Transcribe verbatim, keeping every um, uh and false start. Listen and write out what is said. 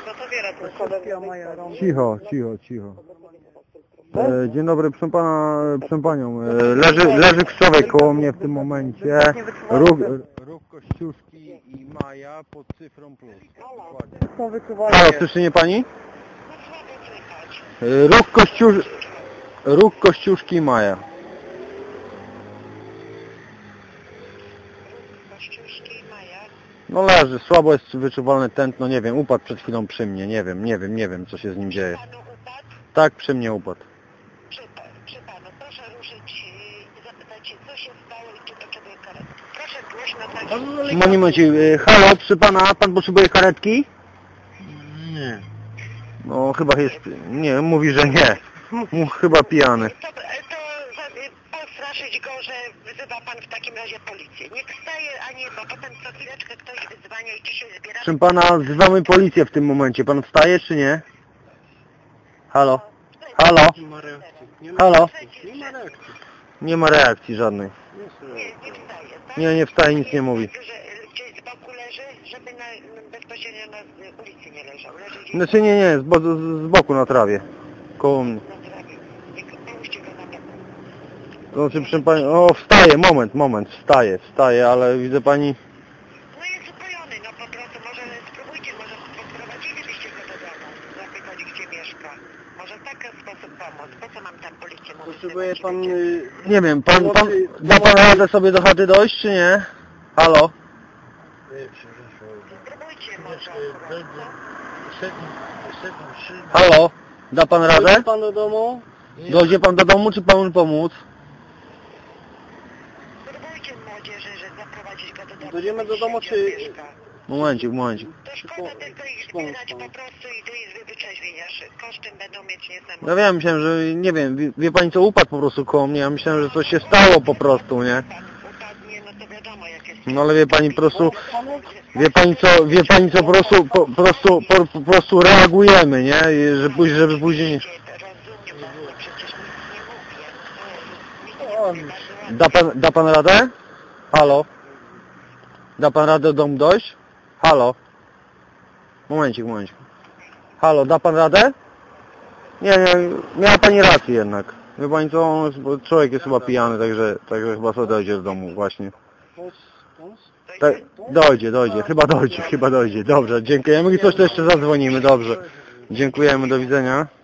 Cicho, cicho, cicho. E, dzień dobry, proszę pana, proszę panią. E, leży, leży krzowej koło mnie w tym momencie. Róg, róg Kościuszki i Maja pod cyfrą plus. Dokładnie. Halo, słyszy mnie pani? E, róg, Kościusz, róg Kościuszki i Maja. No leży, słabo jest wyczuwalne tętno, nie wiem, upadł przed chwilą przy mnie, nie wiem, nie wiem, nie wiem co się z nim dzieje. Tak, przy mnie upadł. Przy, przy panu, proszę ruszyć i zapytać się, co się stało i czy potrzebuje karetki. Proszę głośno tak. Momencie, halo, przy pana, pan potrzebuje karetki? Nie. No chyba jest, nie, mówi, że nie. Mów, chyba pijany. To, to postraszyć go, że wyzywa pan w takim razie policję. Niech wstaje, a nie, bo potem co chwileczkę ktoś wyzwania i ci się zbiera. Proszę pana, wzywamy policję w tym momencie. Pan wstaje czy nie? Halo? Halo? Halo? Nie ma reakcji żadnej. Nie, nie wstaje, tak? Nie, nie wstaje, nic nie mówi. Że gdzieś z boku leży, żeby na, bezpośrednio na ulicy nie leżał. Leży gdzieś Znaczy nie, nie, z, bo, z boku na trawie. Koło mnie. na trawie. Niech połóżcie go na boku. Znaczy, proszę pani, o wstaje, moment, moment, wstaje, wstaje, ale widzę pani... No jest upojony, no po prostu, może spróbujcie, może podprowadzilibyście go do domu, zapytać gdzie mieszka. Może w taki sposób pomóc. Po co mam tam policję? Potrzebuje pan... Nie wiem, pan, pan, da pan radę sobie do chaty dojść, czy nie? Halo? Spróbujcie może. Halo? Da pan radę? Dojdzie pan do domu? Dojdzie pan do domu, czy panu pomóc? Spróbujcie młodzieży, że zaprowadzić go do domu. Dojdziemy do domu, czy... Momencik, momencik. To szkoda tylko ich zbierać po prostu i do izby wyczerwienia. Kosztem będą mieć niesamowite. No wiem, myślałem, że nie wiem, wie, wie pani co, upadł po prostu koło mnie, ja myślałem, że coś się stało po prostu, nie? Upadnie, no to wiadomo jak jest. No ale wie pani po prostu, wie pani co, wie pani co, po prostu, po, po prostu, po, po prostu reagujemy, nie? I że później, żeby później nie... Rozumiem, bo przecież nic nie mówię. Da pan, da pan radę? Halo? Da pan radę do domu dojść? Halo? Momencik, momencik. Halo, da pan radę? Nie, nie, miała pani rację jednak. Wie pani co, bo człowiek jest chyba pijany, także, także chyba sobie dojdzie do domu właśnie. Tak, dojdzie, dojdzie, chyba dojdzie, chyba dojdzie. Dobrze, dziękujemy i coś to jeszcze zadzwonimy, dobrze. Dziękujemy, do widzenia.